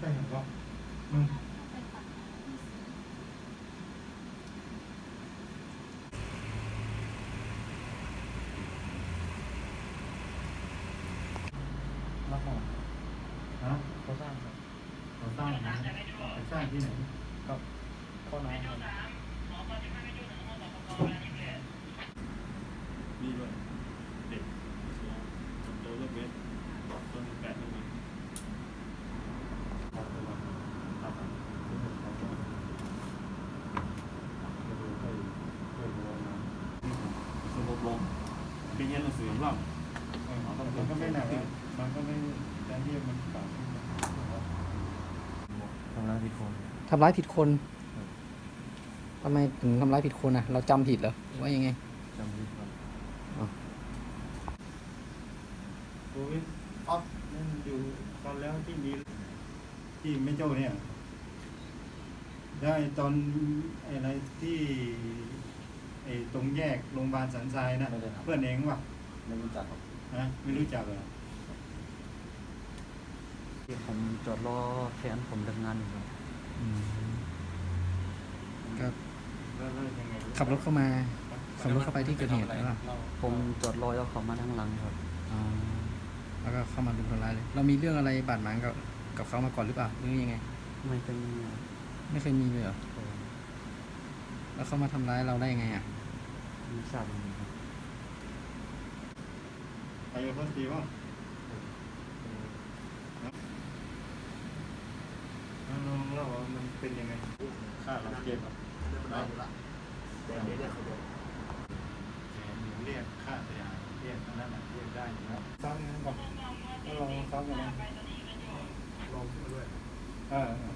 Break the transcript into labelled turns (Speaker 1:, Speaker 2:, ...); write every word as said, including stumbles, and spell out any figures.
Speaker 1: ไปเห็นก็มึงรับหมดฮะเขาสร้างครับเขาสร้างนะไปสร้างที่ไหนครับข้อน้ำครับ
Speaker 2: มีด้วยเด็กโตเลือกเวทต้นแปดต้นนี้ระบบลมเป็นยันหนังสือของเรา
Speaker 1: มันก็ไม่หนักมันก็ไม่แต่ที่มันเก่าขึ้นทำร้ายผิดคน
Speaker 3: ทำร้ายผิดคนทำไมถึงทำร้ายผิดคนอ่ะ เราจำผิดเหรอว่ายังไง
Speaker 1: จำผิดครับ
Speaker 3: อ๋อ
Speaker 1: โอ้ยอ๊อฟนั่นอยู่ตอนแล้วที่มีที่ไม่โจ้เนี่ยได้ตอนอะไรที่ไอ้ตรงแยกโรงพยาบาลสันทรายนะเพื่อนเองวะ
Speaker 4: ไม่รู้จักครับ
Speaker 1: นะไม่รู้จักเหรอ
Speaker 4: ที่ผมจอดรอแฟนผมทำงานอยู่ครับ
Speaker 3: ก็
Speaker 1: แล้วยังไง
Speaker 3: ขับรถเข้ามาขับรถเข้าไปที่เกิดเหตุแล้วล่ะ
Speaker 4: ผมจอดรอแล้วเขามาทางหลังครับ
Speaker 3: อ๋อแล้วก็เข้ามารุมทำร้ายเลยเรามีเรื่องอะไรบาดหมางกับกับเขามาก่อนหรือเปล่าหรือยังไง
Speaker 4: ไม่เคยมี
Speaker 3: ไม่เคยมีเลยเหรอแล้วเขามาทำร้ายเราได้ยังไงอ่ะ
Speaker 4: ไม่ทราบเลยครับ
Speaker 1: ไปกับคนตีว่าน้องเล่าว่ามันเป็นยังไงค่าเราเก็บได้อยู่ละเดี๋ยวเรียกเขาดูเรียกค่าเสียหายเรียกนั้นน่ะเรียกได้อยู่แล้วซ้ำงั้นก่อนก็ลองซ้ำกันนะลองขึ้นมาด้วยเออ